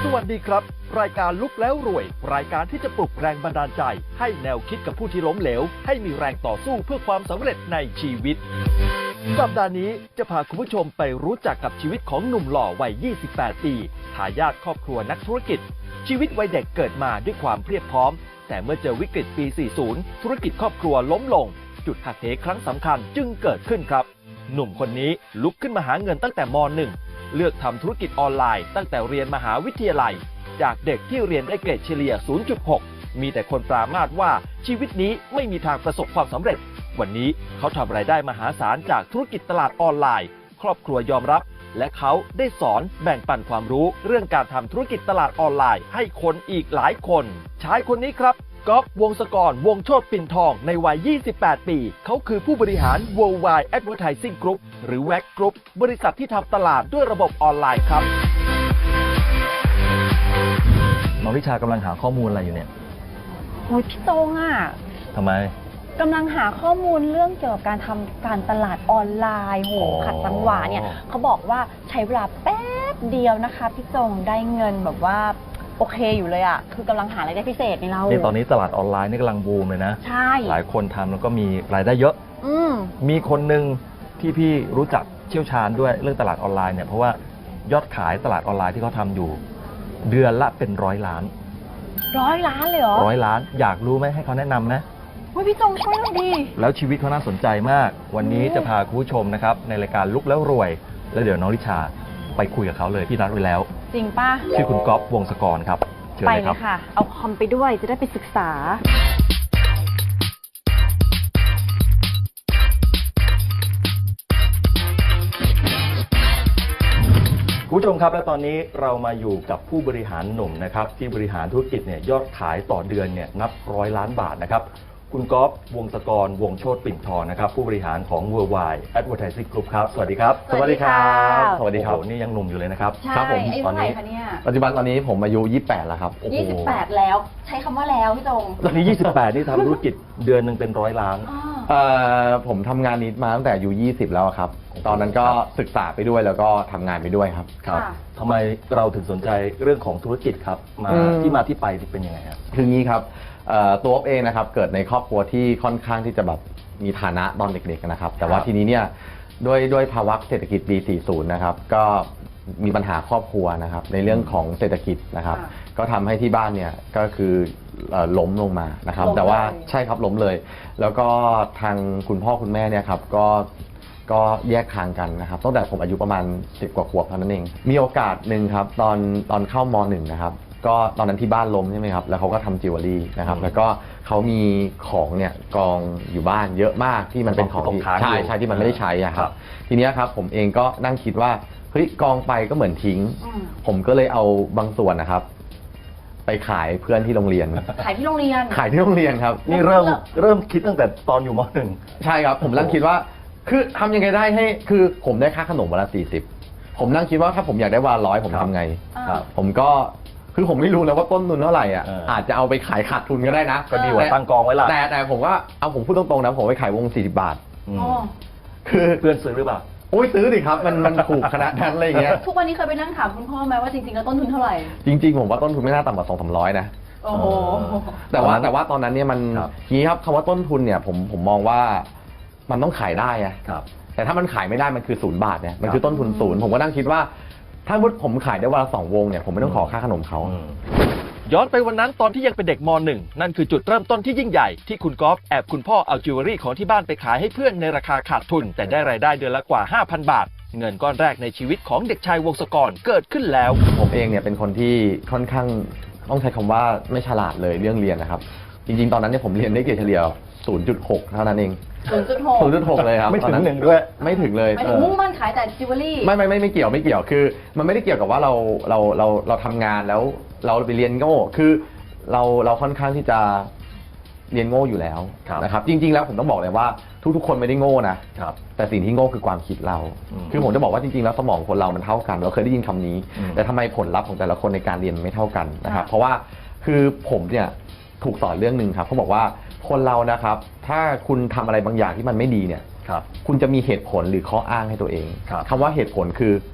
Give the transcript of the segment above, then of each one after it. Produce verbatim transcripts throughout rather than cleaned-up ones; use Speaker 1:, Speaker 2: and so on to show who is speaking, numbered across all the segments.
Speaker 1: วัสดีครับรายการลุกแล้วรวยรายการที่จะปลุกแรงบันดาลใจให้แนวคิดกับผู้ที่ล้มเหลวให้มีแรงต่อสู้เพื่อความสำเร็จในชีวิตสัปดาห์นี้จะพาคุณผู้ชมไปรู้จักกับชีวิตของหนุ่มหล่อวัย ยี่สิบแปด ปีทายาทครอบครัวนักธุรกิจชีวิตวัยเด็กเกิดมาด้วยความเพียบพร้อมแต่เมื่อเจอวิกฤตปี สี่สิบ ธุรกิจครอบครัวล้มลงจุดหักเหครั้งสำคัญจึงเกิดขึ้นครับหนุ่มคนนี้ลุกขึ้นมาหาเงินตั้งแต่ม หนึ่ง เลือกทำธุรกิจออนไลน์ตั้งแต่เรียนมหาวิทยาลัยจากเด็กที่เรียนได้เกรดเฉลี่ย ศูนย์จุดหก มีแต่คนปรามาสว่าชีวิตนี้ไม่มีทางประสบความสำเร็จวันนี้เขาทำรายได้มหาศาลจากธุรกิจตลาดออนไลน์ครอบครัวยอมรับและเขาได้สอนแบ่งปันความรู้เรื่องการทำธุรกิจตลาดออนไลน์ให้คนอีกหลายคนชายคนนี้ครับก๊อฟวงศกรวงโชติปิ่นทองในวัย ยี่สิบแปด ปีเขาคือผู้บริหาร Worldwide Advertising Group หรือ วี เอ ซี Group บริษัทที่ทำตลาดด้วยระบบออนไลน์ครับน้องริชากำลังหาข้อมูลอะไรอยู่เนี่ย
Speaker 2: โอ้ยพี่ตงอ่ะ
Speaker 1: ทำไม
Speaker 2: กำลังหาข้อมูลเรื่องเกี่ยวกับการทำการตลาดออนไลน์โหขัดจังหวะเนี่ยเขาบอกว่าใช้เวลาแป๊บเดียวนะคะพี่ตงได้เงินแบบว่าโอเคอยู่เลยอ่ะคือกำลังหารายได้พิเศษในเรา
Speaker 1: เนี่ยตอนนี้ตลาดออนไลน์นี่กำลังบูมเลยนะ
Speaker 2: ใช่
Speaker 1: หลายคนทำแล้วก็มีรายได้เยอะ
Speaker 2: อืม
Speaker 1: มีคนหนึ่งที่พี่รู้จักเชี่ยวชาญด้วยเรื่องตลาดออนไลน์เนี่ยเพราะว่ายอดขายตลาดออนไลน์ที่เขาทำอยู่เดือนละเป็นร้อยล้าน
Speaker 2: ร้อยล้านเลยเหรอ
Speaker 1: ร้อยล้านอยากรู้ไหมให้เขาแนะนำนะ
Speaker 2: ว่าพี่จงช่วยเราดี
Speaker 1: แล้วชีวิตเขาน่าสนใจมากวันนี้จะพาคุณผู้ชมนะครับในรายการลุกแล้วรวยแล้วเดี๋ยวน้องริชาไปคุยกับเขาเลยพี่นัดไว้แล้ว
Speaker 2: จริงป่ะ
Speaker 1: ชื่อคุณก๊อฟวงศกรครับเชิญเลยครับ
Speaker 2: ไปเลยค่ะเอาคอมไปด้วยจะได้ไปศึกษา
Speaker 1: คุณผู้ชมครับและตอนนี้เรามาอยู่กับผู้บริหารหนุ่มนะครับที่บริหารธุรกิจเนี่ยยอดขายต่อเดือนเนี่ยนับร้อยล้านบาทนะครับคุณก๊อฟวงศกรวงโชติปิ่นทองนะครับผู้บริหารของ Worldwide Advertising Group ครับสวัสดีครับ
Speaker 2: สวัสดีครับ
Speaker 1: สวัสดีครับนี่ยังหนุ่มอยู่เลยนะครับ
Speaker 2: ครับผม
Speaker 1: ตอนนี้
Speaker 3: ปัจจุบันตอนนี้ผมอายุยี่สิบแปดแล้วครับ
Speaker 2: ยี่สิบแปดแล้วใช้คำว่าแล้วพี่ตง
Speaker 1: ตอนนี้ยี่สิบแปดนี่ทำธุรกิจเดือนหนึ่งเป็นร้อยล้าน
Speaker 3: เอ่อผมทำงานนี้มาตั้งแต่อายุยี่สิบแล้วครับตอนนั้นก็ศึกษาไปด้วยแล้วก็ทำงานไปด้วยครับ
Speaker 1: ครับทำไมเราถึงสนใจเรื่องของธุรกิจครับมาที่มาที่ไปเป็นยังไงครับ
Speaker 3: คืองี้ครับตัวเองนะครับเกิดในครอบครัวที่ค่อนข้างที่จะแบบมีฐานะตอนเด็กๆนะครับแต่ว่าทีนี้เนี่ยด้วยด้วยภาวะเศรษฐกิจปี สี่สิบ นะครับก็มีปัญหาครอบครัวนะครับในเรื่องของเศรษฐกิจนะครับก็ทำให้ที่บ้านเนี่ยก็คือล้มลงมานะครับแต่ว่าใช่ครับล้มเลยแล้วก็ทางคุณพ่อคุณแม่เนี่ยครับก็ก็แยกทางกันนะครับตั้งแต่ผมอายุประมาณสิบกว่าขวบเท่านั้นเองมีโอกาสหนึ่งครับตอนตอนเข้าม หนึ่ง นะครับก็ตอนนั้นที่บ้านล้มใช่ไหมครับแล้วเขาก็ทำจิวเวลรี่นะครับแล้วก็เขามีของเนี่ยกองอยู่บ้านเยอะมากที่มันเป็นของที่ใช่ใช่ที่มันไม่ได้ใช้อะครับทีนี้ครับผมเองก็นั่งคิดว่าเฮ้ยกองไปก็เหมือนทิ้งผมก็เลยเอาบางส่วนนะครับไปขายเพื่อนที่โรงเรียน
Speaker 2: ขายที่โรงเรียน
Speaker 3: ขายที่โรงเรียนครับ
Speaker 1: นี่เริ่มเริ่มคิดตั้งแต่ตอนอยู่ม หนึ่ง
Speaker 3: ใช่ครับผมนั่งคิดว่าคือทำยังไงได้ให้คือผมได้ค่าขนมวันละสี่สิบผมนั่งคิดว่าถ้าผมอยากได้วันละร้อยผมทำไงผมก็คือผมไม่รู้แล้วว่าต้นทุนเท่าไหร่อ่ะอาจจะเอาไปขายขาดทุนก็ได้นะ
Speaker 1: ก็ดีกว่าตั้งกองไว้ละ
Speaker 3: แต่แต่ผมว่าเอาผมพูดตรงๆนะผมไปขายวงสี่สิบบาท
Speaker 1: คือเพื่อนซื้อหรือเปล่า
Speaker 3: โอ้ยซื้อดิครับมันมันถูกขนาดนั้นอะไรอย่างเงี้ย
Speaker 2: ทุกวันนี้เคยไปนั่งถามคุณพ่อไหมว่าจริงๆแล้วต้นทุนเท่าไหร่
Speaker 3: จริงๆผมว่าต้นทุนไม่น่าต่ำกว่าสองสามร้อยนะ
Speaker 2: โอ้โห
Speaker 3: แต่ว่าแต่ว่าตอนนั้นเนี่ยมันนี้ครับคำว่าต้นทุนเนี่ยผมผมมองว่ามันต้องขายได้อะแต่ถ้ามันขายไม่ได้มันคือศูนย์บาทเนี่ยมันคือต้นทุนศูนย์ผมก็นั่งคิดว่าถ้าผมขายได้วันละสองวงเนี่ยผมไม่ต้องขอค่าขนมเขา
Speaker 1: ย้อนไปวันนั้นตอนที่ยังเป็นเด็กม หนึ่ง นั่นคือจุดเริ่มต้นที่ยิ่งใหญ่ที่คุณก๊อฟแอบคุณพ่อเอาจิวเวลรี่ของที่บ้านไปขายให้เพื่อนในราคาขาดทุนแต่ได้รายได้เดือนละกว่า ห้าพัน บาทเงินก้อนแรกในชีวิตของเด็กชายวงศกรเกิดขึ้นแล้ว
Speaker 3: ผมเองเนี่ยเป็นคนที่ค่อนข้างต้องใช้คำว่าไม่ฉลาดเลยเรื่องเรียนนะครับจริงๆตอนนั้นเนี่ยผมเรียนได้เกรดเฉลี่ย ศูนย์จุดหก เท่านั้นเอง
Speaker 2: ศูนย์จุดหก
Speaker 3: ศูนย์จุดหก เลยครับ
Speaker 1: ไม่ถึงหนึ่งด้วย
Speaker 3: ไม่ถึงเลย
Speaker 2: ไม่ถึงมุ่งมั่นขายแต่จิวเวลรี่
Speaker 3: ไม่ไม่ไม่ไม่เกี่ยวไม่เกี่ยวคือมันไม่ได้เกี่ยวกับว่าเราเราเราเราทำงานแล้วเราไปเรียนโง่คือเราเราค่อนข้างที่จะเรียนโง่อยู่แล้วนะครับจริงๆแล้วผมต้องบอกเลยว่าทุกๆคนไม่ได้โง่นะแต่สิ่งที่โง่คือความคิดเราคือผมจะบอกว่าจริงๆแล้วสมองคนเรามันเท่ากันเราเคยได้ยินคำนี้แต่ทำไมผลลัพธ์ของแต่ละคนในการเรียนไม่เท่ากันนะครับเพราะว่าคือผมเนี่ยถูกสอนเรื่องนึงครับเขาบอกว่าคนเรานะครับถ้าคุณทำอะไรบางอย่างที่มันไม่ดีเนี่ยคุณจะมีเหตุผลหรือข้ออ้างให้ตัวเองคำว่าเหตุผลคือ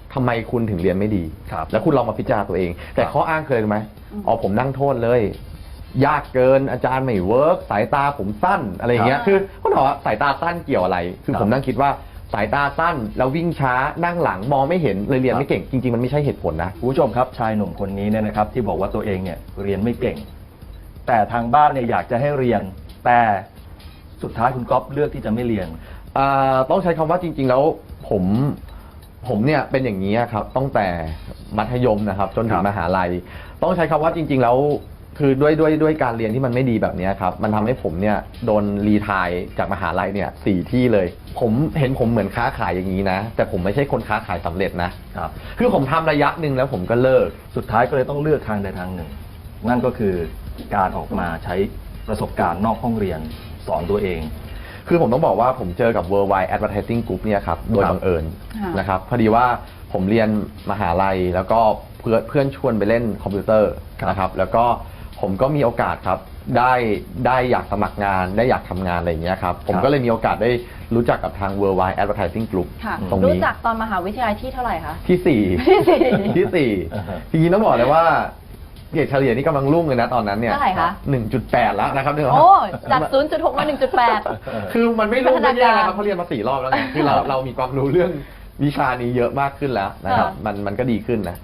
Speaker 3: ทำไมคุณถึงเรียนไม่ดี
Speaker 1: ครับ
Speaker 3: แล้วคุณลองมาพิจารณาตัวเอง แต่
Speaker 1: ครับ
Speaker 3: ข้ออ้างคืออะไรรู้ไหมอ๋อผมนั่งโทษเลย ยากเกินอาจารย์ไม่เวิร์กสายตาผมสั้นอะไรอย่างเงี้ย
Speaker 2: ครับ
Speaker 3: คือเขาบอกว่าสายตาสั้นเกี่ยวอะไร คือ
Speaker 1: ครับ
Speaker 3: ผมนั่งคิดว่าสายตาสั้นแล้ววิ่งช้านั่งหลังมองไม่เห็นเลยเรียน
Speaker 1: ครับ
Speaker 3: ไม่เก่งจริงๆมันไม่ใช่เหตุผลนะ
Speaker 1: คุณผู้ชมครับชายหนุ่มคนนี้เนี่ยนะครับที่บอกว่าตัวเองเนี่ยเรียนไม่เก่ง แต่ทางบ้านเนี่ยอยากจะให้เรียน แต่สุดท้ายคุณก๊อฟเลือกที่จะไม่เรียน
Speaker 3: อ่าต้องใช้คำว่าจริง ๆ แล้วผมผมเนี่ยเป็นอย่างนี้ครับตั้งแต่มัธยมนะครับจนถึ
Speaker 1: ค
Speaker 3: ง
Speaker 1: รับ
Speaker 3: มหาลัย ต้องใช้คำว่าจริง ๆ แล้วคือด้วยด้วยด้วยการเรียนที่มันไม่ดีแบบนี้ครับมันทำให้ผมเนี่ยโดนรีไทายจากมหาลัยเนี่ยสี่ที่เลย ผมเห็นผมเหมือนค้าขายอย่างนี้นะ แต่ผมไม่ใช่คนค้าขายสำเร็จนะครับ คือผมทำระยะหนึ่งแล้วผมก็เลิก
Speaker 1: สุดท้ายก็เลยต้องเลือกทางใดทางหนึ่ง นั่นก็คือการออกมาใช้ประสบการณ์นอกห้องเรียนสอนตัวเอง
Speaker 3: คือผมต้องบอกว่าผมเจอกับ Worldwide Advertising Group เนี่ยครับโดย
Speaker 1: ครับ
Speaker 3: บังเอิญ
Speaker 2: ค่ะ
Speaker 3: นะครับพอดีว่าผมเรียนมหาลัยแล้วก็เพื่อนเพื่อนชวนไปเล่นคอมพิวเตอร์
Speaker 1: ครับ
Speaker 3: นะครับแล้วก็ผมก็มีโอกาสครับได้ได้อยากสมัครงานได้อยากทำงานอะไรอย่างเงี้ยครับผมก็เลยมีโอกาสได้รู้จักกับทาง Worldwide Advertising Group
Speaker 2: ค่ะ
Speaker 3: ตรง
Speaker 2: รู้
Speaker 3: นี้
Speaker 2: จักตอนมหาวิทยาลัยที่เท่าไหร่คะ
Speaker 3: ที่สี่
Speaker 2: ที่สี่
Speaker 3: ที่สี่
Speaker 1: อ่าฮะ
Speaker 3: ทีนี้ต้องบอกเลยว่าเกรดเฉลี่ยนี่กำลังรุ่งเลยนะตอนนั้นเนี่ย
Speaker 2: เท่าไหร่คะ
Speaker 3: หนึ่งจุดแปดแล้วนะครับเนี่ย
Speaker 2: โอ้จาก ศูนย์จุดหก มา หนึ่งจุดแปด
Speaker 3: คือมันไม่รู้
Speaker 2: พัฒนา
Speaker 3: ไม่แย่
Speaker 2: การ
Speaker 3: นะครับเขาเรียนมาสี่รอบแล้วไงคือเราเรามีความรู้เรื่องวิชานี้เยอะมากขึ้นแล้วนะครับ
Speaker 2: ค่ะ
Speaker 3: มันมันก็ดีขึ้นนะ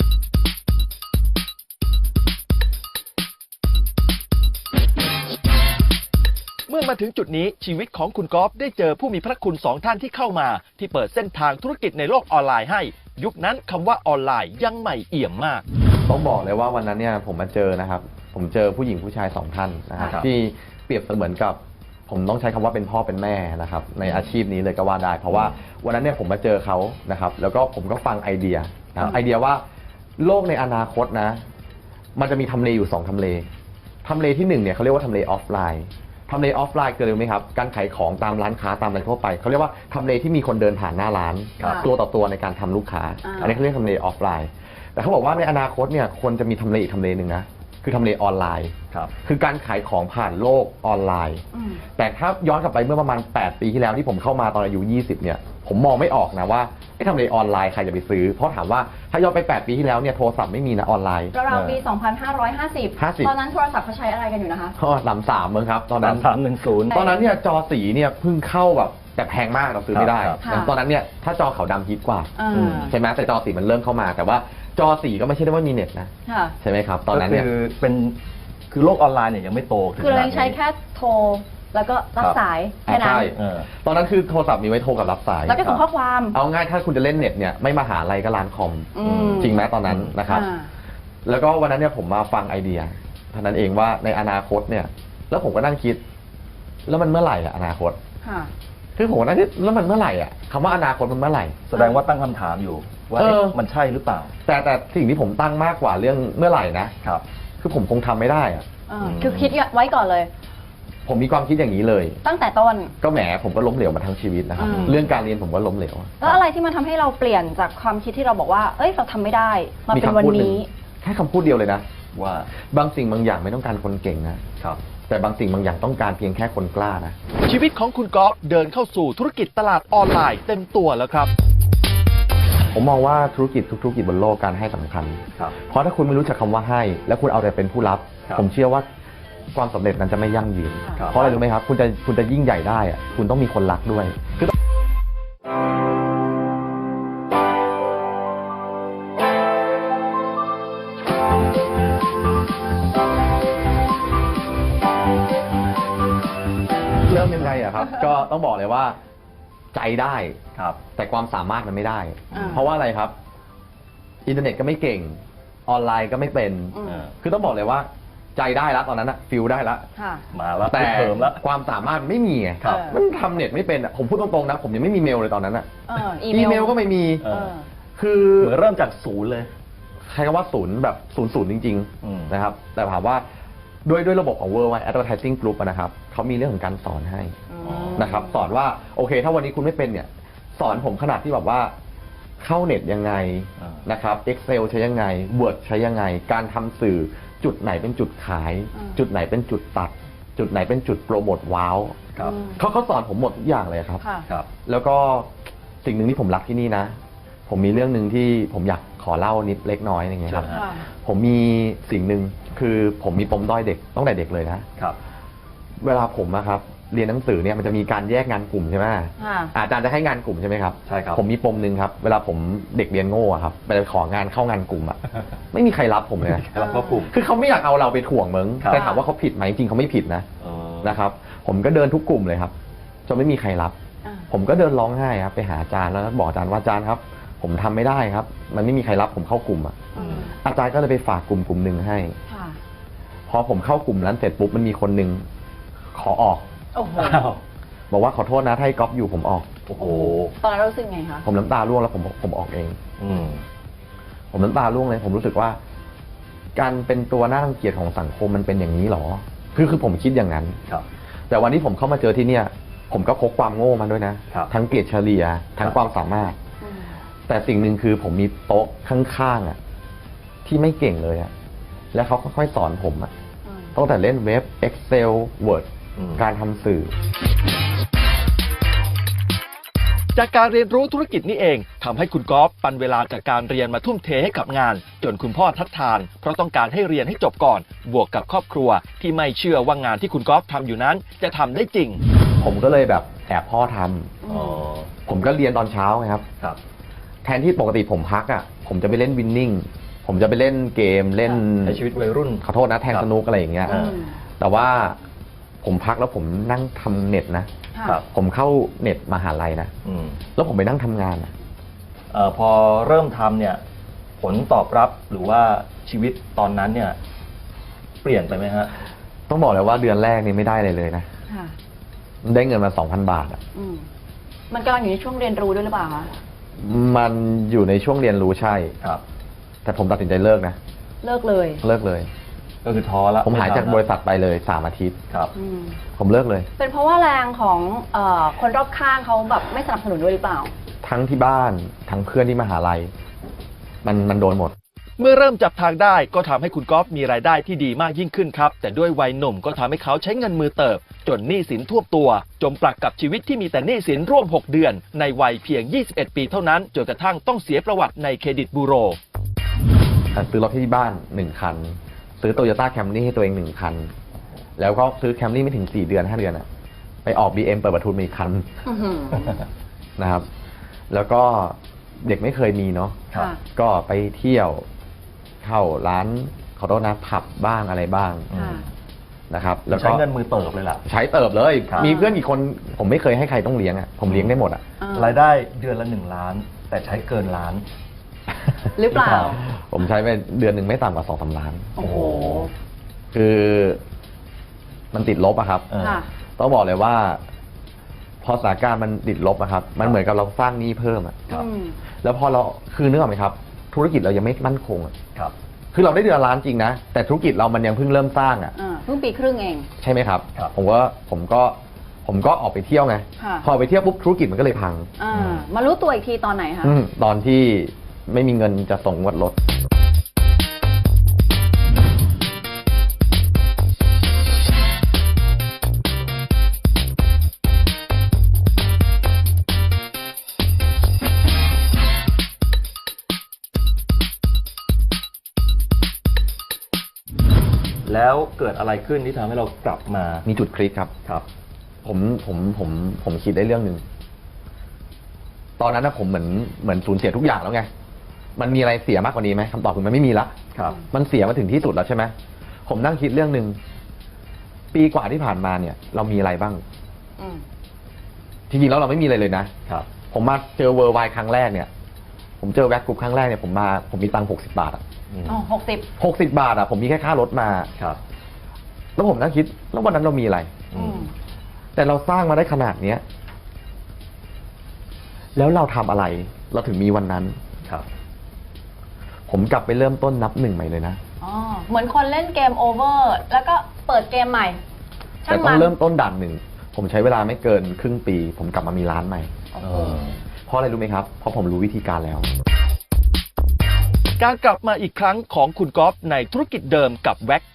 Speaker 1: เมื่อมาถึงจุดนี้ชีวิตของคุณก๊อฟได้เจอผู้มีพระคุณสองท่านที่เข้ามา ที่เปิดเส้นทางธุรกิจในโลกออนไลน์ให้ ยุคนั้นคำว่าออนไลน์ยังใหม่เอี่ยมมาก
Speaker 3: ต้องบอกเลยว่าวันนั้นเนี่ยผมมาเจอนะครับ ผมเจอผู้หญิงผู้ชายสองท่านนะครับ
Speaker 1: ครับ
Speaker 3: ที่เปรียบเสมือนกับ ผมต้องใช้คำว่าเป็นพ่อเป็นแม่นะครับในอาชีพนี้เลยก็ว่าได้ เพราะว่าวันนั้นเนี่ยผมมาเจอเขานะครับแล้วก็ผมก็ฟังไอเดียนะครับไอเดียว่าโลกในอนาคตนะมันจะมีทำเลอยู่สองทำเลทำเลที่หนึ่งเนี่ยเขาเรียกว่าทำเลออฟไลน์ทำเลออฟไลน์คืออะไรรู้ไหมครับการขายของตามร้านค้าตามอะไรทั่วไปเขาเรียกว่าทำเลที่มีคนเดินผ่านหน้าร้าน
Speaker 2: ครับ
Speaker 3: ตัวต่อตัวในการทำลูกค้า
Speaker 2: อ่า
Speaker 3: อันนี้เขาเรียกทำเลออฟไลน์แต่เขาบอกว่าในอนาคตเนี่ยควรจะมีทำเลอีกทำเลหนึ่งนะคือทำเลออนไลน์
Speaker 1: ครับ
Speaker 3: คือการขายของผ่านโลกออนไลน์
Speaker 2: อืม
Speaker 3: แต่ถ้าย้อนกลับไปเมื่อประมาณแปดปีที่แล้วที่ผมเข้ามาตอนอายุยี่สิบเนี่ยผมมองไม่ออกนะว่าไอ้ทำเลออนไลน์ใครจะไปซื้อเพราะถามว่าถ้าย้อนไปแปดปีที่แล้วเนี่ยโทรศัพท์ไม่มีนะออนไลน์
Speaker 2: ราวๆปี สองพันห้าร้อยห้าสิบ
Speaker 3: ห้าสิบ
Speaker 2: ตอนนั้นโทรศัพท์เขาใช้อะไรกันอยู่นะคะ
Speaker 3: ก็สามสามมั้งครับตอน
Speaker 1: สา
Speaker 3: นั้
Speaker 1: ม
Speaker 3: น
Speaker 1: สามหนึ่งศูนย์
Speaker 3: ตอนนั้นเนี่ยจอสีเนี่ยเพิ่งเข้าแบบแต่แพงมากเราซื้อไม่ได้
Speaker 1: ครับ
Speaker 2: ครับ
Speaker 3: ตอนนั้นเนี่ยถ้าจอขาวดำฮิตกว่า
Speaker 2: อ่า
Speaker 1: อืม
Speaker 3: ใช่ไหมแต่จอสีมันเริ่มเข้ามา แต่ว่าจอสีก็ไม่ใช่ได้ว่ามีเน็ตนะ
Speaker 2: ค่ะ
Speaker 3: ใช่ไหมครับตอนนั้นเนี่ย
Speaker 1: ก็คือเป็นคือโลกออนไลน์เนี่ยยังไม่โตถึง
Speaker 2: คือเรา
Speaker 1: ขนาด
Speaker 2: ยังใช้
Speaker 1: นี้
Speaker 2: แค่โทรแล้วก็รับสายแค่นั้น
Speaker 3: ใช่
Speaker 1: เออ
Speaker 3: ตอนนั้นคือโทรศัพท์มีไว้โทรกับรับสาย
Speaker 2: แล้วก็ส่งข้อความ
Speaker 3: เอาง่ายถ้าคุณจะเล่นเน็ตเนี่ยไม่มาหาอะไรก็ร้านคอม
Speaker 2: อืม
Speaker 3: จริงไหมตอนนั้นนะครับ
Speaker 2: อ่า
Speaker 3: แล้วก็วันนั้นเนี่ยผมมาฟังไอเดียเท่านั้นเองว่าในอนาคตเนี่ย แล้วผมก็นั่งคิด แล้วมันเมื่อไหร่อะอนาคต
Speaker 2: ค่ะ
Speaker 3: คือผมก็นั่งคิดแล้วมันเมื่อไหร่อะคำว่าอนาคตมันเมื่อไหร่
Speaker 1: แสดงว่าตั้งคำถามอยู่ ว่า
Speaker 3: เออ
Speaker 1: เอ๊ะมันใช่หรือเปล่า
Speaker 3: แต่แต่สิ่งที่ผมตั้งมากกว่าเรื่องเมื่อไหร่นะครับ คือผมคงทำไม่ได้อะ
Speaker 2: อ่าคือคิดไว้ก่อนเลย
Speaker 3: ผมมีความคิดอย่างนี้เลย
Speaker 2: ตั้งแต่ต้น
Speaker 3: ก็แหมผมก็ล้มเหลวมาทั้งชีวิตนะครับ
Speaker 2: อืม
Speaker 3: เรื่องการเรียนผมก็ล้มเหลว
Speaker 2: แล้วอะไรที่มันทำให้เราเปลี่ยนจากความคิดที่เราบอกว่า เอ้ย เราทำไม่ได้ มาเป็นวัน
Speaker 3: หง
Speaker 2: นี้
Speaker 3: แค่คำพูดเดียวเลยนะ
Speaker 1: ว่า
Speaker 3: บางสิ่งบางอย่างไม่ต้องการคนเก่งนะ
Speaker 1: ครับ
Speaker 3: แต่บางสิ่งบางอย่างต้องการเพียงแค่คนกล้านะ
Speaker 1: ชีวิตของคุณก๊อฟเดินเข้าสู่ธุรกิจตลาดออนไลน์เต็มตัวแล้วครับ
Speaker 3: ผมมองว่าธุรกิจทุกธุรกิจบนโลกการให้สำคัญ
Speaker 1: ครับ
Speaker 3: เพราะถ้าคุณไม่รู้จักคำว่าให้ แล้วคุณเอาแต่เป็นผู้รับ
Speaker 1: ครับ
Speaker 3: ผมเชื่อว่าความสำเร็จนั้นจะไม่ยั่งยืน
Speaker 1: ครับ
Speaker 3: เพราะอะไรรู้ไหมครับ คุณจะคุณจะยิ่งใหญ่ได้อะคุณต้องมีคนรักด้วยคือเริ่มยังไงอะครับ ก็ต้องบอกเลยว่าใจได้
Speaker 1: ครับ
Speaker 3: แต่ความสามารถมันไม่ได้
Speaker 2: อ่า
Speaker 3: เพราะว่าอะไรครับ อินเทอร์เน็ตก็ไม่เก่ง ออนไลน์ก็ไม่เป็น
Speaker 2: อืม
Speaker 1: เออ
Speaker 3: คือต้องบอกเลยว่าใจได้แล้วตอนนั้นอะฟิลได้แล้ว
Speaker 2: ค่ะ
Speaker 1: มาแล้ว
Speaker 3: แต่
Speaker 1: เพิ่มแล้ว
Speaker 3: ความสามารถไม่มีไง
Speaker 1: ครับ
Speaker 3: มันทำเน็ตไม่เป็นอะผมพูดตรงๆนะ ผมยังไม่มีเมลเลยตอนนั้นอะ
Speaker 2: เอออี
Speaker 3: อีเมลก็ไม่มี
Speaker 1: เอ
Speaker 2: เอ
Speaker 1: อ
Speaker 2: อ
Speaker 3: คือ
Speaker 1: เหมือนเริ่มจากศูนย์เลย
Speaker 3: ใช้คำว่าศูนย์แบบศูนย์ศูนย์จริง
Speaker 1: อืม
Speaker 3: ๆนะครับ แต่ถามว่าด้วยด้วยระบบของ Worldwide Advertising Group อะนะครับเขามีเรื่องของการสอนให้
Speaker 2: อืม
Speaker 3: นะครับ สอนว่าโอเค ถ้าวันนี้คุณไม่เป็นเนี่ย สอนผมขนาดที่แบบว่าเข้าเน็ตยังไง
Speaker 1: อ่าน
Speaker 3: นะครับ Excel ใช้ยังไง Word ใช้ยังไง การทำสื่อจุดไหนเป็นจุดขาย
Speaker 2: อืม
Speaker 3: จุดไหนเป็นจุดตัด จุดไหนเป็นจุดโปรโมทว้าว
Speaker 1: ครับ
Speaker 2: อืม
Speaker 3: เขาเขาสอนผมหมดทุกอย่างเลยครับ
Speaker 2: ค่ะ
Speaker 1: ครับ
Speaker 3: แล้วก็สิ่งหนึ่งที่ผมรักที่นี่นะผมมีเรื่องหนึ่งที่ผมอยากขอเล่านิดเล็กน้อยอย่างเงี้ยครับ
Speaker 1: เชิญฮะ
Speaker 2: ค่ะ
Speaker 3: ผมมีสิ่งหนึ่งคือผมมีปมด้อยเด็กตั้งแต่เด็กเลยนะ
Speaker 1: ครับ
Speaker 3: เวลาผมอะครับเรียนหนังสือเนี่ยมันจะมีการแยกงานกลุ่มใช่ไหม
Speaker 2: ค่ะ
Speaker 3: อาจารย์จะให้งานกลุ่มใช่ไหมครับ
Speaker 1: ใช่ครับ
Speaker 3: ผมมีปมหนึ่งครับ เวลาผมเด็กเรียนโง่อะครับไปของานเข้างานกลุ่มอะ ไม่มีใครรับผมเลยนะ
Speaker 1: รับเข้ากลุ่ม
Speaker 3: คือเขาไม่อยากเอาเราไปถ่วงมึง
Speaker 1: ครับ
Speaker 3: แต่ถามว่าเขาผิดไหมจริงๆเขาไม่ผิดนะ
Speaker 1: อ๋อ
Speaker 3: นะครับ ผมก็เดินทุกกลุ่มเลยครับจนไม่มีใครรับ
Speaker 2: อ่า
Speaker 3: ผมก็เดินร้องไห้ครับไปหาอาจารย์แล้วบอกอาจารย์ว่าอาจารย์ครับ ผมทำไม่ได้ครับ มันไม่มีใครรับผมเข้ากลุ่มอะ
Speaker 2: อืม
Speaker 3: อาจารย์ก็เลยไปฝากกลุ่มกลุ่มหนึ่งให้
Speaker 2: ค่ะ
Speaker 3: พอผมเข้ากลุ่มนั้นเสร็จปุ๊บมันมีคนหนึ่งขอออก
Speaker 2: โอ้โห
Speaker 1: อ้าว
Speaker 3: บอกว่าขอโทษนะถ้าให้ก๊อฟอยู่ผมออก
Speaker 1: โอ้โห
Speaker 2: ตอนนั้นรู้สึกไงคะ
Speaker 3: ผมน้ำตาร่วงแล้วผมผมออกเอง
Speaker 1: อืม
Speaker 3: ผมน้ำตาร่วงเลย ผมรู้สึกว่า การเป็นตัวน่ารังเกียจของสังคมมันเป็นอย่างนี้หรอ คือคือผมคิดอย่างนั้น
Speaker 1: ครับ
Speaker 3: แต่วันที่ผมเข้ามาเจอที่เนี่ย ผมก็พกความโง่มาด้วยนะ
Speaker 1: ครับ
Speaker 3: ทั้งเกรดเฉลี่ยทั้ง
Speaker 1: ครับ
Speaker 3: ความสามารถ
Speaker 2: อืม
Speaker 3: แต่สิ่งหนึ่งคือผมมีโต๊ะข้างๆอ่ะ ที่ไม่เก่งเลยอ่ะ แล้วเขาค่อยๆสอนผมอ่ะ
Speaker 2: อืม
Speaker 3: ตั้งแต่เล่นเว็บ Excel Word
Speaker 1: อืม
Speaker 3: การทำสื่อ
Speaker 1: จากการเรียนรู้ธุรกิจนี้เองทำให้คุณกอล์ฟปันเวลาจากการเรียนมาทุ่มเทให้กับงาน จนคุณพ่อทัดทาน เพราะต้องการให้เรียนให้จบก่อน บวกกับครอบครัว ที่ไม่เชื่อว่างานที่คุณกอล์ฟทำอยู่นั้นจะทำได้จริง
Speaker 3: ผมก็เลยแบบแอบพ่อทำ
Speaker 1: อ๋อ
Speaker 3: ผมก็เรียนตอนเช้าไงครับ
Speaker 1: ครับ
Speaker 3: แทนที่ปกติผมพักอ่ะ ผมจะไปเล่นวินนิ่ง ผมจะไปเล่นเกมเล่น
Speaker 1: ในชีวิตวัยรุ่น
Speaker 3: ขอโทษนะแทงสนุกอะไรอย่างเงี้ย
Speaker 1: อื
Speaker 2: อืม
Speaker 3: แต่ว่าผมพักแล้วผมนั่งทำเน็ตนะ
Speaker 2: ค่ะ
Speaker 1: ครับ
Speaker 3: ผมเข้าเน็ตมหาลัยนะ
Speaker 1: อืม
Speaker 3: แล้วผมไปนั่งทำงานอะ
Speaker 1: เอ่อพอเริ่มทำเนี่ย ผลตอบรับหรือว่าชีวิตตอนนั้นเนี่ย เปลี่ยนไปไหมฮะ
Speaker 3: ต้องบอกเลยว่าเดือนแรกนี่ไม่ได้เลยเลยนะ
Speaker 2: ค่ะ
Speaker 3: ได้เงินมาสองพันบาทอะ
Speaker 2: อืมมันกำลังอยู่ในช่วงเรียนรู้ด้วยหรือเปล่าคะ
Speaker 3: มันอยู่ในช่วงเรียนรู้ใช่
Speaker 1: ครับ
Speaker 3: แต่ผมตัดสินใจเลิกนะ
Speaker 2: เลิกเลย
Speaker 3: เลิกเลย
Speaker 1: ก็คือท้อละ
Speaker 3: ผมหายจาก
Speaker 1: ไทำละ
Speaker 3: บริษัทไปเลยสามอาทิตย์
Speaker 1: ครับ
Speaker 2: อืม
Speaker 3: ผมเลิกเลย
Speaker 2: เป็นเพราะว่าแรงของเอ่อคนรอบข้างเขาแบบไม่สนับสนุนด้วยหรือเปล่า
Speaker 3: ทั้งที่บ้านทั้งเพื่อนที่มหาลัย มันมันโดนหมด
Speaker 1: เมื่อเริ่มจับทางได้ก็ทำให้คุณกอล์ฟมีรายได้ที่ดีมากยิ่งขึ้นครับ แต่ด้วยวัยหนุ่มก็ทำให้เขาใช้เงินมือเติบ จนหนี้สินท่วมตัว จมปลักกับชีวิตที่มีแต่หนี้สินร่วม หก เดือน ในวัยเพียง ยี่สิบเอ็ด ปีเท่านั้นจนกระทั่งต้องเสียประวัติในเครดิตบูโร
Speaker 3: ซื้อรถที่บ้านหนึ่งคัน ซื้อโตโยต้าแคมรี่ให้ตัวเองหนึ่งคัน แล้วก็ซื้อแคมรี่ไม่ถึงสี่เดือนห้าเดือนอะไปออก บี เอ็ม เปิดประทุนมาอีกคัน
Speaker 2: อื้อหือ
Speaker 3: นะครับ แล้วก็เด็กไม่เคยมีเนาะ
Speaker 1: ครับ
Speaker 2: ค่ะ
Speaker 3: ก็ไปเที่ยวเข้าร้านขอโทษนะผับบ้างอะไรบ้าง
Speaker 1: อืม
Speaker 2: ค่ะ
Speaker 3: นะครับ แล้วก็
Speaker 1: ใช้เงินมือเติบเลยล่ะ
Speaker 3: ใช้เติบเลย
Speaker 1: ครับ
Speaker 3: มีเพื่อนกี่คนผมไม่เคยให้ใครต้องเลี้ยงอะผมเลี้ยงได้หมดอะ
Speaker 2: อ่าร
Speaker 1: ายได้เดือนละหนึ่งล้าน แต่ใช้เกินล้าน
Speaker 2: หรือเปล่า
Speaker 3: ผมใช้ไปเดือนหนึ่งไม่ต่ำกว่าสองสามล้าน
Speaker 2: โอ้โห
Speaker 3: คือมันติดลบอะครับ
Speaker 1: เออ
Speaker 2: ค่ะ
Speaker 3: ต้องบอกเลยว่า พอสถานการณ์มันติดลบอะครับ มันเหมือนกับเราสร้างหนี้เพิ่มอะ
Speaker 1: ครับ
Speaker 2: อืม
Speaker 3: แล้วพอเราคือนึกออกไหมครับ ธุรกิจเรายังไม่มั่นคงอะ
Speaker 1: ครับ
Speaker 3: คือเราได้เดือนละล้านจริงนะแต่ธุรกิจเรามันยังเพิ่งเริ่มสร้างอะ
Speaker 2: อ่าเพิ่งปีครึ่งเอง
Speaker 3: ใช่ไหมครับ
Speaker 1: ครับ
Speaker 3: ผมว่าผมก็ผมก็ออกไปเที่ยวไง
Speaker 2: ค่ะ
Speaker 3: พอไปเที่ยวปุ๊บธุรกิจมันก็เลยพัง
Speaker 2: อ่า มารู้ตัวอีกทีตอนไหนคะ
Speaker 3: อืมตอนที่ไม่มีเงินจะส่งงวดรถ
Speaker 1: แล้วเกิดอะไรขึ้นที่ทำให้เรากลับมา
Speaker 3: มีจุดคลิกครับ
Speaker 1: ครับ
Speaker 3: ผมผมผมผมคิดได้เรื่องหนึ่ง ตอนนั้นนะผมเหมือนเหมือนสูญเสียทุกอย่างแล้วไง มันมีอะไรเสียมากกว่านี้ไหมคำตอบคือมันไม่มีละ
Speaker 1: ครับ
Speaker 3: มันเสียมาถึงที่สุดแล้วใช่ไหมผมนั่งคิดเรื่องหนึ่งปีกว่าที่ผ่านมาเนี่ย เรามีอะไรบ้าง
Speaker 2: อืม
Speaker 3: จริงๆแล้วเราไม่มีอะไรเลยนะ
Speaker 1: ครับ
Speaker 3: ผมมาเจอเวอร์ไวครั้งแรกเนี่ย ผมเจอแว็กกรุ๊ปครั้งแรกเนี่ยผมมาผมมีตังค์หกสิบบาทอะ
Speaker 1: อืม
Speaker 2: อ๋อหกสิบ
Speaker 3: หกสิบบาทอะผมมีแค่ค่ารถมา
Speaker 1: ครับ
Speaker 3: แล้วผมนั่งคิดแล้ววันนั้นเรามีอะไร
Speaker 1: อืม
Speaker 3: แต่เราสร้างมาได้ขนาดเนี้ย แล้วเราทำอะไร เราถึงมีวันนั้น
Speaker 1: ครับ
Speaker 3: ผมกลับไปเริ่มต้นนับหนึ่งใหม่เลยนะ
Speaker 2: อ๋อ เหมือนคนเล่นเกมโอเวอร์ แล้วก็เปิดเกมใหม่ ช่า
Speaker 3: แต่
Speaker 2: ง
Speaker 3: ต้อ
Speaker 2: มั
Speaker 3: ง
Speaker 2: น
Speaker 3: เริ่มต้นด่านหนึ่ง ผมใช้เวลาไม่เกินครึ่งปี ผมกลับมามีร้านใหม่
Speaker 2: โอ้
Speaker 1: เอ
Speaker 2: โห
Speaker 1: อ
Speaker 3: เพราะอะไรรู้ไหมครับ เพราะผมรู้วิธีการแล้ว
Speaker 1: การกลับมาอีกครั้งของคุณกอล์ฟในธุรกิจเดิมกับแว็กกรุ๊ป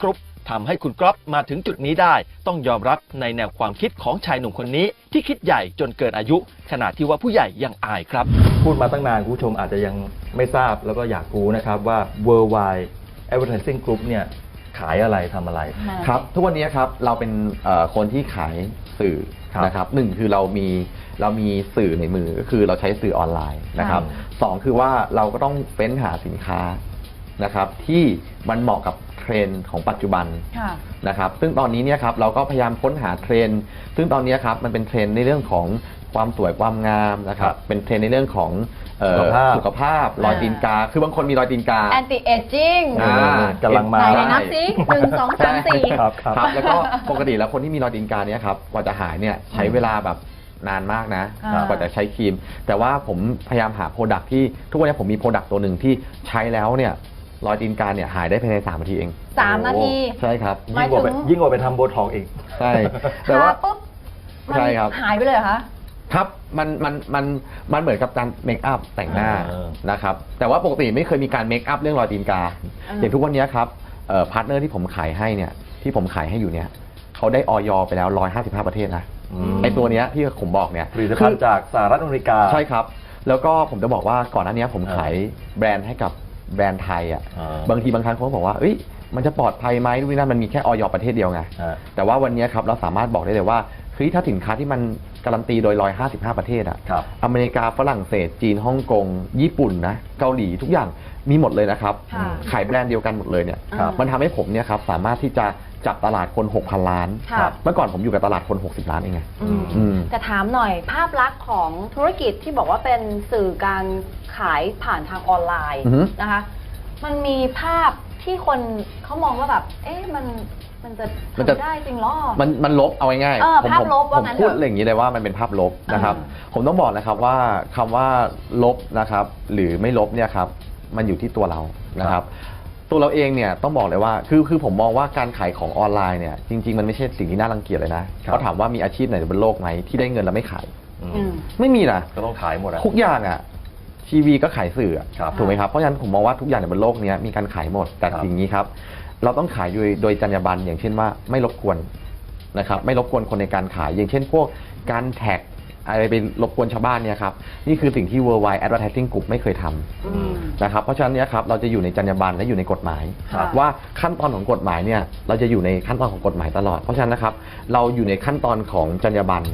Speaker 1: ทำให้คุณก๊อฟมาถึงจุดนี้ได้ต้องยอมรับในแนวความคิดของชายหนุ่มคนนี้ที่คิดใหญ่จนเกินอายุขนาดที่ว่าผู้ใหญ่ยังอายครับพูดมาตั้งนานคุณผู้ชมอาจจะยังไม่ทราบแล้วก็อยากรู้นะครับว่า Worldwide Advertising Group เนี่ยขายอะไรทำอะไร
Speaker 3: ครับทุกวันนี้ครับเราเป็นเอ่อคนที่ขายสื่อ
Speaker 1: ครับ
Speaker 3: นะครับหนึ่งคือเรามีเรามีสื่อในมือก็คือเราใช้สื่อออนไลน์นะครับ
Speaker 1: ค่ะ
Speaker 3: สองคือว่าเราก็ต้องเฟ้นหาสินค้านะครับที่มันเหมาะกับเทรนด์ของปัจจุบัน
Speaker 2: ค่ะ
Speaker 3: นะครับซึ่งตอนนี้เนี่ยครับเราก็พยายามค้นหาเทรนด์ซึ่งตอนนี้ครับมันเป็นเทรนด์ในเรื่องของความสวยความงามนะครับเป็นเทรนด์ในเรื่องของเอ่อ
Speaker 1: สุขภาพ
Speaker 3: สุขภาพรอยตีนกา คือบางคนมีรอยตีนกา
Speaker 2: anti aging
Speaker 3: อ่า
Speaker 1: กำลังมา
Speaker 2: ไหนไหนนับสิหนึ่งสองสามสี่
Speaker 1: ครับครับ
Speaker 3: ครับแล้วก็ปกติแล้วคนที่มีรอยตีนกาเนี่ยครับกว่าจะหายเนี่ยใช้เวลาแบบนานมากนะ
Speaker 2: อ่าก
Speaker 3: ว่าจะใช้ครีม แต่ว่าผมพยายามหาโปรดักที่ทุกวันนี้ผมมีโปรดักตัวหนึ่งที่ใช้แล้วเนี่ยรอยตีนกาเนี่ยหายได้ภายในสามนาทีเอง
Speaker 2: สามนาที
Speaker 3: ใช่ครับ
Speaker 2: หมาย
Speaker 1: ยิ่งกว่าไป
Speaker 2: ถึง
Speaker 1: ยิ่งกว่าไปทำโบท็อกซ์อีก
Speaker 3: ใช่ แต่ว่า
Speaker 2: ทปุ๊บมัน
Speaker 3: ใช่ครับ
Speaker 2: หายไปเลยเหรอคะ
Speaker 3: ครับมันมันมันมันเหมือนกับการเมคอัพแต่งหน้า
Speaker 1: เออ
Speaker 3: นะครับแต่ว่าปกติไม่เคยมีการเมคอัพเรื่องรอยตีนกา
Speaker 2: อ่า
Speaker 3: อย่างทุกวันนี้ครับพาร์ทเนอร์ที่ผมขายให้เนี่ยที่ผมขายให้อยู่เนี่ยเขาได้ออยไปแล้วหนึ่งร้อยห้าสิบห้าประเทศนะ
Speaker 1: อืม
Speaker 3: ไอตัวเนี้ยที่ผมบอกเนี่ย
Speaker 1: ผลิตภัณฑ์จากสหรัฐอเมริกา
Speaker 3: ใช่ครับ แล้วก็ผมจะบอกว่าก่อนหน้านี้ผมขายแบรนด์ให้กับแบรนด์ไทยอ่ะ
Speaker 1: อ่า
Speaker 3: บางทีบางครั้งเขาก็บอกว่าเอ้ยมันจะปลอดภัยไหมดูนี่นั่นมันมีแค่ออยประเทศเดียวไง
Speaker 1: อ่า
Speaker 3: แต่ว่าวันนี้ครับเราสามารถบอกได้เลยว่าเฮ้ยถ้าสินค้าที่มันการันตีโดยหนึ่งร้อยห้าสิบห้าประเทศอ่ะ
Speaker 1: ครับ
Speaker 3: อเมริกาฝรั่งเศสจีนฮ่องกงญี่ปุ่นนะเกาหลีทุกอย่างมีหมดเลยนะครับ
Speaker 2: ค่ะ
Speaker 3: ขายแบรนด์เดียวกันหมดเลยเนี่ย
Speaker 2: ครับ
Speaker 3: มันทำให้ผมเนี่ยครับสามารถที่จะจับตลาดคน หกพัน ล้าน
Speaker 2: ค่ะ
Speaker 3: เมื่อก่อนผมอยู่กับตลาดคน หกสิบ ล้านเองไง
Speaker 2: อืม
Speaker 3: อืม
Speaker 2: แต่ถามหน่อยภาพลักษณ์ของธุรกิจที่บอกว่าเป็นสื่อการขายผ่านทางออนไลน์
Speaker 3: อือฮึ
Speaker 2: นะคะ มันมีภาพที่คนเขามองว่าแบบ เอ๊ะมันมันจะ
Speaker 3: มันจะ
Speaker 2: ทำได้จริงเหรอ
Speaker 3: มันมันลบเอาง่าย
Speaker 2: เออ
Speaker 3: ผม
Speaker 2: ภาพ
Speaker 3: ผม
Speaker 2: ลบว่า
Speaker 3: ผม
Speaker 2: งั้น
Speaker 3: พูด
Speaker 2: เถอะ
Speaker 3: อะไรอย่างนี้เลยว่ามันเป็นภาพลบนะครับ ผมต้องบอกนะครับว่าคำว่าลบนะครับหรือไม่ลบเนี่ยครับมันอยู่ที่ตัวเรานะครับ ตัวเราเองเนี่ยต้องบอกเลยว่าคือคือผมมองว่าการขายของออนไลน์เนี่ยจริง ๆ มันไม่ใช่สิ่งที่น่ารังเกียจเลยนะเขาถามว่ามีอาชีพไหนบนโลกไหมที่ได้เงินแล้วไม่ขาย
Speaker 1: อืม
Speaker 2: อืม
Speaker 3: ไม่มีนะ
Speaker 1: ก็ต้องขายหมดอะ
Speaker 3: ทุกอย่างอ่ะทีวีก็ขายสื่ออะ
Speaker 1: ครับ
Speaker 3: ถูกไหมครับเพราะฉะนั้นผมมองว่าทุกอย่างในบนโลกเนี้ยมีการขายหมดแต่
Speaker 1: ครับ
Speaker 3: สิ่งนี้ครับ เราต้องขายโดยโดยจรรยาบรรณอย่างเช่นว่าไม่รบกวนนะครับไม่รบกวนคนในการขาย อย่างเช่น พวกการแท็กอะไรไปรบกวนชาวบ้านเนี่ยครับนี่คือสิ่งที่ Worldwide Advertising Group ไม่เคยทำ
Speaker 2: อืม
Speaker 3: นะครับเพราะฉะนั้นเนี่ยครับเราจะอยู่ในจรรยาบรรณและอยู่ในกฎหมาย
Speaker 2: ครับ
Speaker 3: ว่าขั้นตอนของกฎหมายเนี่ยเราจะอยู่ในขั้นตอนของกฎหมายตลอด เพราะฉะนั้นนะครับเราอยู่ในขั้นตอนของจรรยาบรรณ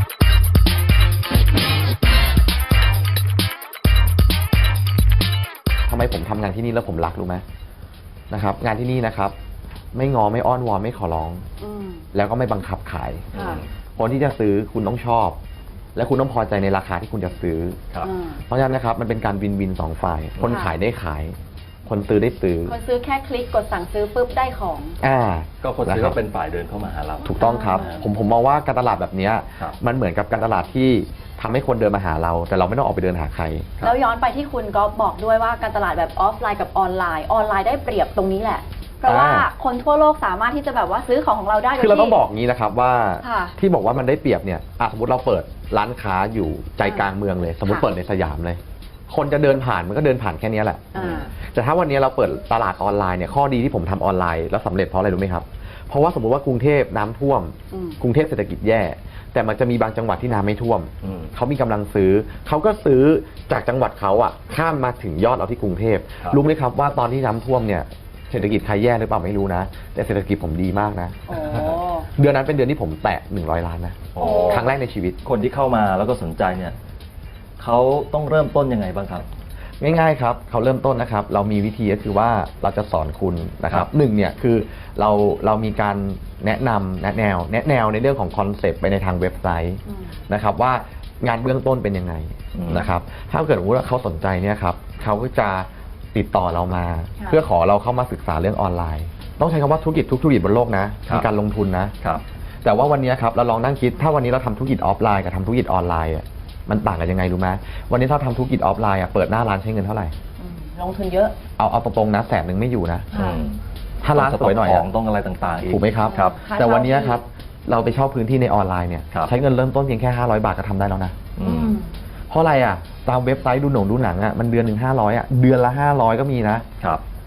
Speaker 3: ทำไมผมทำงานที่นี่แล้วผมรักรู้ไหมนะครับงานที่นี่นะครับไม่งอไม่อ้อนวอนไม่ขอร้อง
Speaker 2: อืม
Speaker 3: แล้วก็ไม่บังคับขาย
Speaker 2: ค่ะ
Speaker 3: คนที่จะซื้อคุณต้องชอบ และคุณต้องพอใจในราคาที่คุณจะซื้อ
Speaker 1: ครับ
Speaker 2: อืม
Speaker 3: เพราะฉะนั้นนะครับมันเป็นการวินวินสองฝ่าย คน
Speaker 2: ค่ะ
Speaker 3: ขายได้ขาย คนซื้อได้ซื้อ
Speaker 2: คนซื้อแค่คลิกกดสั่งซื้อปุ๊บได้ของ
Speaker 3: อ่า
Speaker 1: ก็คนซื้อ
Speaker 3: นะ
Speaker 1: ก็
Speaker 3: รับ
Speaker 1: เป็นฝ่ายเดินเข้ามาหาเรา
Speaker 3: ถูกต้องครับ
Speaker 2: อ่า
Speaker 3: ผมผมมองว่าการตลาดแบบเนี้ย
Speaker 1: ครับ
Speaker 3: มันเหมือนกับการตลาดที่ทำให้คนเดินมาหาเรา แต่เราไม่ต้องออกไปเดินหาใคร
Speaker 1: ครับ
Speaker 2: แล้วย้อนไปที่คุณก็บอกด้วยว่าการตลาดแบบออฟไลน์กับออนไลน์ ออนไลน์ได้เปรียบตรงนี้แหละ เพราะว่า
Speaker 3: อ่า
Speaker 2: คนทั่วโลกสามารถที่จะแบบว่าซื้อของของเราได้โดย
Speaker 3: คือเราต้อง
Speaker 2: ที่
Speaker 3: บอกงี้นะครับว่า
Speaker 2: ค่ะ
Speaker 3: ที่บอกว่ามันได้เปรียบเนี่ยอ่ะสมมติเราเปิดร้านค้าอยู่ใจกลางเมืองเลย สมมติ
Speaker 2: ค่ะ
Speaker 3: เปิดในสยามเลย คนจะเดินผ่านมันก็เดินผ่านแค่เนี้ยแหละ
Speaker 2: อ่า
Speaker 3: แต่ถ้าวันนี้เราเปิดตลาดออนไลน์เนี่ยข้อดีที่ผมทำออนไลน์แล้วสำเร็จเพราะอะไรรู้ไหมครับ เพราะว่าสมมติว่ากรุงเทพน้ำท่วม
Speaker 2: อืม
Speaker 3: กรุงเทพเศรษฐกิจแย่ แต่มันจะมีบางจังหวัดที่น้ำไม่ท่วม
Speaker 1: อืม
Speaker 3: เขามีกำลังซื้อ เขาก็ซื้อจากจังหวัดเขาอ่ะข้ามมาถึงยอดเราที่กรุงเทพ
Speaker 1: ครับ
Speaker 3: รู้ไหมครับว่าตอนที่น้ำท่วมเนี่ยเศรษฐกิจใครแย่หรือเปล่าไม่รู้นะ แต่เศรษฐกิจผมดีมากนะ
Speaker 2: โอ้
Speaker 3: เดือนนั้นเป็นเดือนที่ผมแตะหนึ่งร้อยล้านนะ
Speaker 1: โอ้
Speaker 3: ครั้งแรกในชีวิต
Speaker 1: คนที่เข้ามาแล้วก็สนใจเนี่ยเขาต้องเริ่มต้นยังไงบ้างครับ
Speaker 3: ง่ายๆครับเขาเริ่มต้นนะครับ เรามีวิธีก็คือว่าเราจะสอนคุณนะครับหนึ่งเนี่ยคือเราเรามีการแนะนำแนะแนว แนะแนวในเรื่องของคอนเซปต์ไปในทางเว็บไซต์
Speaker 2: อืม
Speaker 3: นะครับว่างานเบื้องต้นเป็นยังไง
Speaker 1: อืม
Speaker 3: นะครับถ้าเกิดว่าเขาสนใจเนี่ยครับเขาก็จะติดต่อเรามา
Speaker 2: ค่ะ
Speaker 3: เพื่อขอเราเข้ามาศึกษาเรื่องออนไลน์ ต้องใช้คำว่าธุรกิจทุกธุรกิจบนโลกนะ
Speaker 1: ครับ
Speaker 3: มีการลงทุนนะ
Speaker 1: ครับ
Speaker 3: แต่ว่าวันนี้ครับเราลองนั่งคิดถ้าวันนี้เราทำธุรกิจออฟไลน์กับทำธุรกิจออนไลน์อะมันต่างกันยังไงรู้ไหมวันนี้ถ้าทำธุรกิจออฟไลน์อะเปิดหน้าร้านใช้เงินเท่าไหร่
Speaker 2: อืมลงทุนเยอะ
Speaker 3: เอาเอาตรงๆนะแสนหนึ่งไม่อยู่นะ
Speaker 1: อืม
Speaker 3: ถ้าร้านสวยหน่อย
Speaker 1: ข
Speaker 3: อะ
Speaker 1: องต้องอะไรต่างๆอีก
Speaker 3: ถูกไหมครับ
Speaker 1: ครับ
Speaker 2: ค่า
Speaker 3: แต่วันนี้
Speaker 2: เช่าที่
Speaker 3: ครับเราไปเช่าพื้นที่ในออนไลน์เนี่ย
Speaker 1: ครับ
Speaker 3: ใช้เงินเริ่มต้นเพียงแค่ห้าร้อยบาทก็ทำได้แล้วนะ
Speaker 1: อื
Speaker 2: อื
Speaker 1: ม
Speaker 2: ม
Speaker 3: เพราะอะไรอ่ะตามเว็บไซต์ดูหนังดูหนังอ่ะมันเดือนหนึ่งห้าร้อยอ่ะเดือนละห้าร้อยก็มีนะ
Speaker 1: ครับ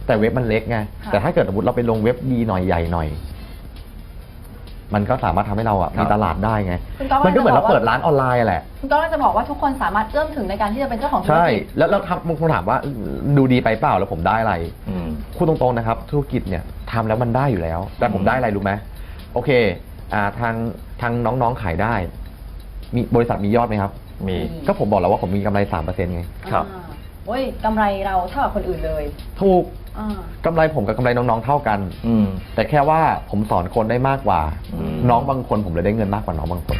Speaker 3: แต่เว็บมันเล็กไงแต่ถ้าเกิดสมมติเราไปลงเว็บดีหน่อยใหญ่หน่อย มันก็สามารถทำให้เราอ่ะมีตลาดได้ไงมันก็เหมือนเราเปิดร้านออนไลน์แหละ
Speaker 2: คุณก็จะบอกว่าทุกคนสามารถเอื้อมถึงในการที่จะเป็นเจ้าของธุรกิจใช่
Speaker 3: แล้วแล้วบางคนถามว่าดูดีไปเปล่าแล้วผมได้อะไรพูดตรงๆนะครับธุรกิจเนี่ยทำแล้วมันได้อยู่แล้วแต่ผมได้อะไรรู้ไหมโอเคอ่าทางทางน้องๆขายได้มีบริษัทมียอดไหมครับมีก็ผมบอกแล้วว่าผมมีกำไรสามเปอร์เซ็นต์ไง
Speaker 2: ครับโอ้ยกำไรเราเท่ากับคนอื่นเลย
Speaker 3: ถูกกำไรผมกับกำไรน้องๆเท่ากันแต่แค่ว่าผมสอนคนได้มากกว่าน้องบางคนผมเลยได้เงินมากกว่าน้องบางคน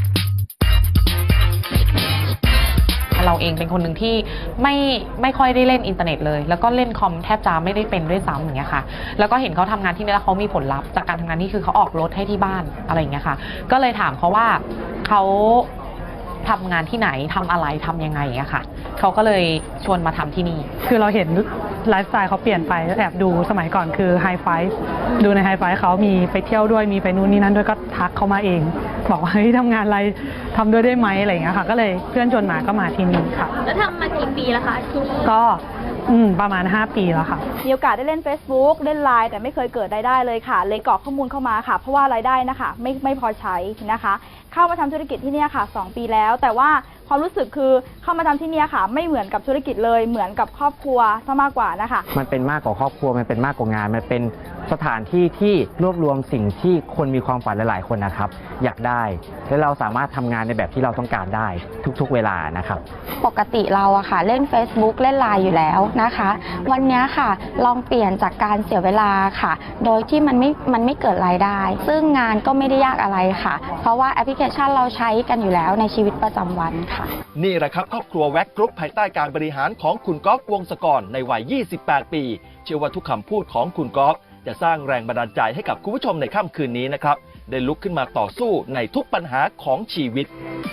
Speaker 4: เราเองเป็นคนหนึ่งที่ไม่ไม่ค่อยได้เล่นอินเทอร์เน็ตเลยแล้วก็เล่นคอมแทบจะไม่ได้เป็นด้วยซ้ำอย่างเงี้ยค่ะแล้วก็เห็นเขาทำงานที่นี่แล้วเขามีผลลัพธ์จากการทำงานนี่คือเขาออกรถให้ที่บ้านอะไรอย่างเงี้ยค่ะก็เลยถามเขาว่าเขาทำงานที่ไหนทำอะไรทำยังไงอะค่ะเขาก็เลยชวนมาทำที่นี่
Speaker 5: คือเราเห็นไลฟ์สไตล์เขาเปลี่ยนไปแอบดูสมัยก่อนคือไฮไฟว์ดูในไฮไฟว์เขามีไปเที่ยวด้วยมีไปนู่นนี่นั่นด้วยก็ทักเขามาเองบอกว่าเฮ้ยทำงานอะไรทำด้วยได้ไหมอะไรอย่างเงี้ยค่ะก็เลยเพื่อนชวนมาก็มาที่นี่ค่ะ
Speaker 2: แล้วทำมากี่ปีแล้วคะ
Speaker 5: ก็อืมประมาณห้าปีแล้วค่ะ
Speaker 6: มีโอกาสได้เล่น Facebook เล่น ไลน์ แต่ไม่เคยเกิดรายได้เลยค่ะเลยกรอกข้อมูลเข้ามาค่ะเพราะว่ารายได้นะคะไม่ไม่พอใช้นะคะเข้ามาทำธุรกิจที่นี่ค่ะสองปีแล้วแต่ว่าความรู้สึกคือเข้ามาทำที่นี่ค่ะไม่เหมือนกับธุรกิจเลยเหมือนกับครอบครัวซะมากกว่านะคะ
Speaker 7: มันเป็นมากกว่าครอบครัวมันเป็นมากกว่างานมันเป็นสถานที่ที่รวบรวมสิ่งที่คนมีความฝันหลายๆคนนะครับอยากได้และเราสามารถทำงานในแบบที่เราต้องการได้ทุกๆเวลานะครับ
Speaker 8: ปกติเราอะค่ะเล่น Facebook เล่น ไลน์ อยู่แล้วนะคะวันนี้ค่ะลองเปลี่ยนจากการเสียเวลาค่ะโดยที่มันไม่มันไม่เกิดรายได้ซึ่งงานก็ไม่ได้ยากอะไรค่ะเพราะว่าแอปพลิเคชันเราใช้กันอยู่แล้วในชีวิตประจำวันค่ะ
Speaker 1: นี่แหละครับครอบครัวแว็กกรุ๊ปภายใต้การบริหารของคุณก๊อฟวงศกรในวัยยี่สิบแปดปีเชื่อว่าทุกคำพูดของคุณก๊อฟจะสร้างแรงบันดาลใจให้กับคุณผู้ชมในค่ำคืนนี้นะครับได้ลุกขึ้นมาต่อสู้ในทุกปัญหาของชีวิต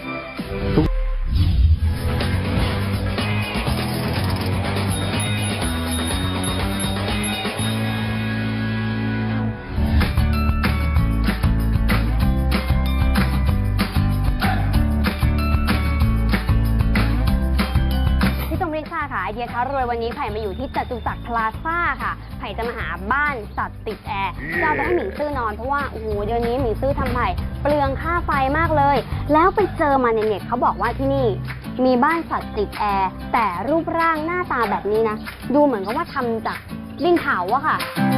Speaker 9: ไอเดียท้ารวยวันนี้ไผ่มาอยู่ที่จตุจักรพลาซ่าค่ะไผ่จะมาหาบ้านสัตว์ติดแอร์จะเอาไปให้หมิงซื่อนอนเพราะว่าโอ้โหเดี๋ยวนี้หมิงซื่อทำไผ่เปลืองค่าไฟมากเลยแล้วไปเจอมาในเน็ตเขาบอกว่าที่นี่มีบ้านสัตว์ติดแอร์แต่รูปร่างหน้าตาแบบนี้นะดูเหมือนกับว่าทำจากดินเผาอะค่ะ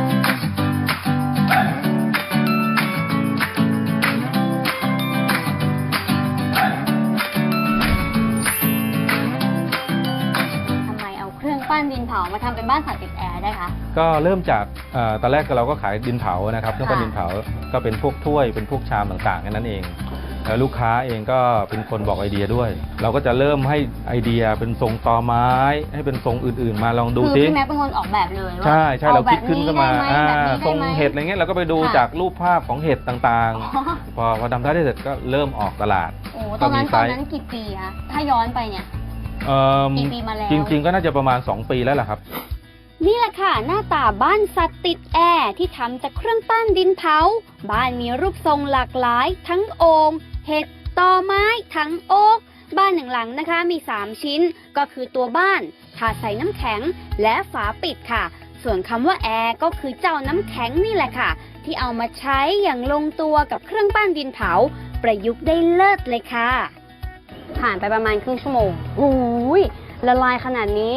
Speaker 9: บ้านดินเผามาทำเป็นบ้านสัตว์ติดแอร์ได้คะ
Speaker 10: ก็เริ่มจากตอนแรกเราก็ขายดินเผานะครับเครื่องปั้นดินเผาก็เป็นพวกถ้วยเป็นพวกชามต่างๆนั่นเองแล้วลูกค้าเองก็เป็นคนบอกไอเดียด้วยเราก็จะเริ่มให้ไอเดียเป็นทรงตอไม้ให้เป็นทรงอื่นๆมาลองดูซิ
Speaker 9: คือพี่แม็กเป็นคนออกแบบเลย
Speaker 10: ใช่ใช่เราคิดขึ้นขึ้นมาทรงเห็ดอะไรเงี้ยเราก็ไปดูจากรูปภาพของเห็ดต่างๆพอพอทำได้เสร็จก็เริ่มออกตลาด
Speaker 9: โอ้ตอนนั้นตอนนั้นกี่ปีคะถ้าย้อนไปเนี่ยกี่ปีมาแล้ว
Speaker 10: จริงๆก็น่าจะประมาณสองปีแล้วล่ะครับ
Speaker 9: นี่แหละค่ะหน้าตาบ้านสัตว์ติดแอร์ที่ทำจากเครื่องปั้นดินเผาบ้านมีรูปทรงหลากหลายทั้งโอ่งเห็ดตอไม้ทั้งโอ๊กบ้านหนึ่งหลังนะคะมีสามชิ้นก็คือตัวบ้านถาดใส่น้ำแข็งและฝาปิดค่ะส่วนคำว่าแอร์ก็คือเจ้าน้ำแข็งนี่แหละค่ะที่เอามาใช้อย่างลงตัวกับเครื่องปั้นดินเผาประยุกต์ได้เลิศเลยค่ะผ่านไปประมาณครึ่งชั่วโมงอุ้ยละลายขนาดนี้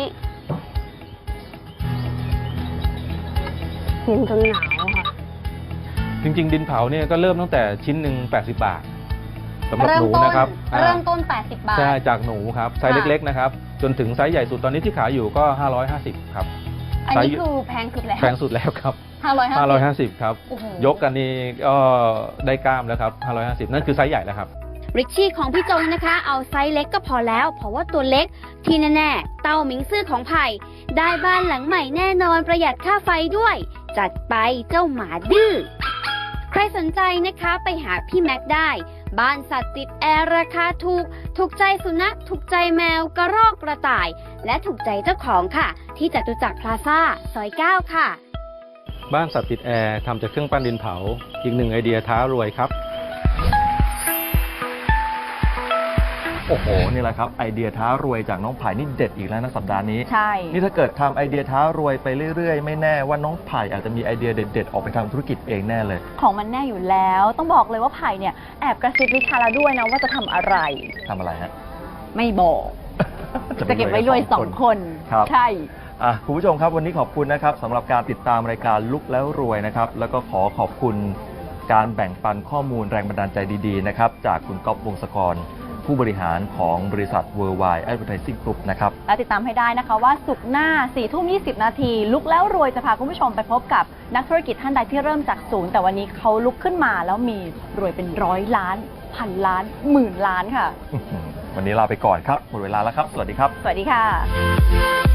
Speaker 9: เย็นจนหนาวค่ะ
Speaker 10: จริงๆดินเผาเนี่ยก็เริ่มตั้งแต่ชิ้นหนึ่งแปดสิบบาทสำหรับหนูนะครับ
Speaker 9: เริ่มต้นแปดสิบบาท
Speaker 10: ใช่จากหนูครับไซส์เล็กๆนะครับจนถึงไซส์ใหญ่สุดตอนนี้ที่ขายอยู่ก็ห้าร้อยห้าสิบครับ
Speaker 9: อันนี้คือแพงสุดแล้ว
Speaker 10: แพงสุดแล้วครับ
Speaker 9: ห้าร้อย
Speaker 10: ห้าสิบครับยกกันนี่ก็ได้กล้ามแล้วครับห้าร้อยห้าสิบนั่นคือไซส์ใหญ่แล้วครับ
Speaker 9: ริชชี่ของพี่จงนะคะเอาไซส์เล็กก็พอแล้วเพราะว่าตัวเล็กที่แน่ๆเต้าหมิงซื่อของไผ่ได้บ้านหลังใหม่แน่นอนประหยัดค่าไฟด้วยจัดไปเจ้าหมาดื้อใครสนใจนะคะไปหาพี่แม็กได้บ้านสัตว์ติดแอร์ราคาถูกถูกใจสุนัขถูกใจแมวกระรอกกระต่ายและถูกใจเจ้าของค่ะที่จตุจักรพลาซ่าซอยเก้าค่ะ
Speaker 10: บ้านสัตว์ติดแอร์ทำจากเครื่องปั้นดินเผาอีกหนึ่งไอเดียท้ารวยครับ
Speaker 1: โอ้โหนี่แหละครับไอเดียท้ารวยจากน้องไผ่นี่เด็ดอีกแล้วนะสัปดาห์นี้
Speaker 2: ใช่
Speaker 1: นี่ถ้าเกิดทำไอเดียท้ารวยไปเรื่อยๆ ไม่แน่ว่าน้องไผ่อาจจะมีไอเดียเด็ดๆออกไปทำธุรกิจเองแน่เลย
Speaker 2: ของมันแน่อยู่แล้ว ต้องบอกเลยว่าไผ่เนี่ยแอบกระซิบลิชาแล้วด้วยนะว่าจะทำอะไร
Speaker 1: ทำอะไรฮะ
Speaker 2: ไม่บอก จะเก็บไว้รวยสองคน
Speaker 1: ครับ
Speaker 2: ใช่
Speaker 1: อ่ะคุณผู้ชมครับวันนี้ขอบคุณนะครับสำหรับการติดตามรายการลุกแล้วรวยนะครับแล้วก็ขอขอบคุณการแบ่งปันข้อมูลแรงบันดาลใจดีๆนะครับจากคุณก๊อฟวงศกรผู้บริหารของบริษัท Worldwide Advertising Group นะครับ
Speaker 2: และติดตามให้ได้นะคะว่าศุกร์หน้าสี่ทุ่มยี่สิบนาทีลุกแล้วรวยจะพาคุณผู้ชมไปพบกับนักธุรกิจท่านใดที่เริ่มจากศูนย์แต่วันนี้เขาลุกขึ้นมาแล้วมีรวยเป็นร้อยล้านพันล้านหมื่นล้านค่ะ
Speaker 1: วันนี้ลาไปก่อนครับหมดเวลาแล้วครับสวัสดีครับ
Speaker 2: สวัสดีค่ะ